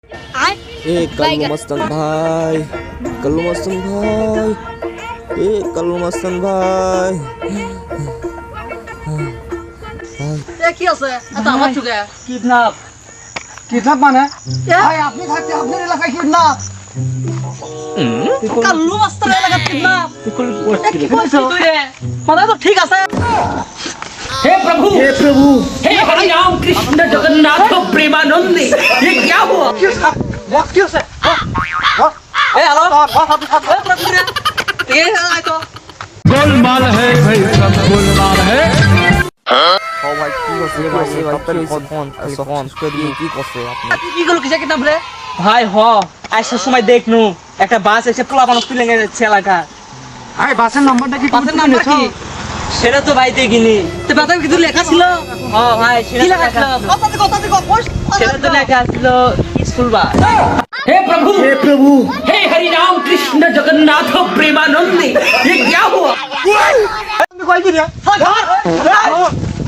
कल्लू मस्तन भाई, कल्लू मस्तन भाई, कल्लू मस्तन भाई। কি আছে এটা আমার চুকে কিডন্যাপ কিডন্যাপ মানে ভাই আপনি থাকতে আপনার এলাকায় কিডন্যাপ কাল্লু মাস্টার এলাকা কিডন্যাপ কি করছিস তুই রে মানে তো ঠিক আছে हे प्रभु हे हरि राम कृष्ण जगन्नाथ प्रेमानंदी ये क्या हुआ क्यों से ए हेलो प्रभु रे ये आय तो गोलमाल है भाई सब गोलमाल है ও ভাই কি করছে ভাই এই ভাই ফোন করে কি করছে আপনি? কি গুলো কিসে কিডন্যাপ রে ভাই হ আইসার সময় দেখনু একটা বাস এসে পোলা মানুষ তুলে নিয়ে যাচ্ছে এলাকা আরে বাসের নাম্বারটা কি বাসের নাম্বার কি সেটা তো ভাই দেখিনি তে বাতার কিছু লেখা ছিল ও ভাই কি লেখা ছিল কথা থেকে সেটা তো লেখা ছিল স্কুল বাস हे प्रभु हे हरि राम कृष्ण जगन्नाथ प्रेमानंदी ये क्या हुआ তুমি কই কি রে